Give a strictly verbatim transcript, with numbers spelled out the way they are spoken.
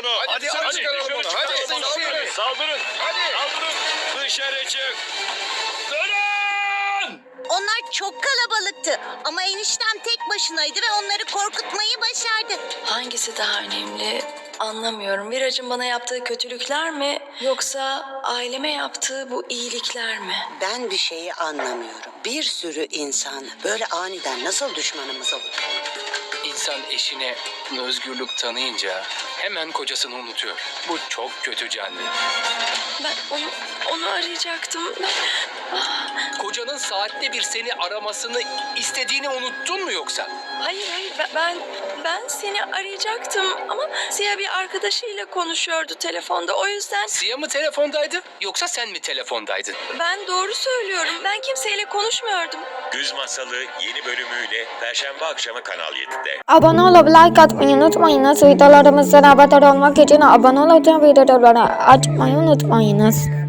onu. Hadi, hadi, hadi çıkaralım onu. Hadi, hadi, Saldırın. Saldırın. Hadi. Saldırın. Dışarı çık. Dönün! Onlar çok kalabalıktı ama eniştem tek başınaydı ve onları korkutmayı başardı. Hangisi daha önemli anlamıyorum. Mirac'ın bana yaptığı kötülükler mi yoksa aileme yaptığı bu iyilikler mi? Ben bir şeyi anlamıyorum. Bir sürü insan böyle aniden nasıl düşmanımız olur? İnsan eşine özgürlük tanıyınca hemen kocasını unutuyor. Bu çok kötü Canlı. Ben onu onu arayacaktım. Ben... Kocanın saatte bir seni aramasını istediğini unuttun mu yoksa? Hayır hayır ben- ben ben seni arayacaktım ama Ziya bir arkadaşıyla konuşuyordu telefonda. O yüzden Ziya mı telefondaydı yoksa sen mi telefondaydın? ben doğru söylüyorum. Ben kimseyle konuşmuyordum. Güz Masalı yeni bölümüyle Perşembe akşamı Kanal yedide. Abone olup like atmayı unutmayınız. Videolarımızdan haberdar olmak için abone olun, videoları açmayı unutmayınız.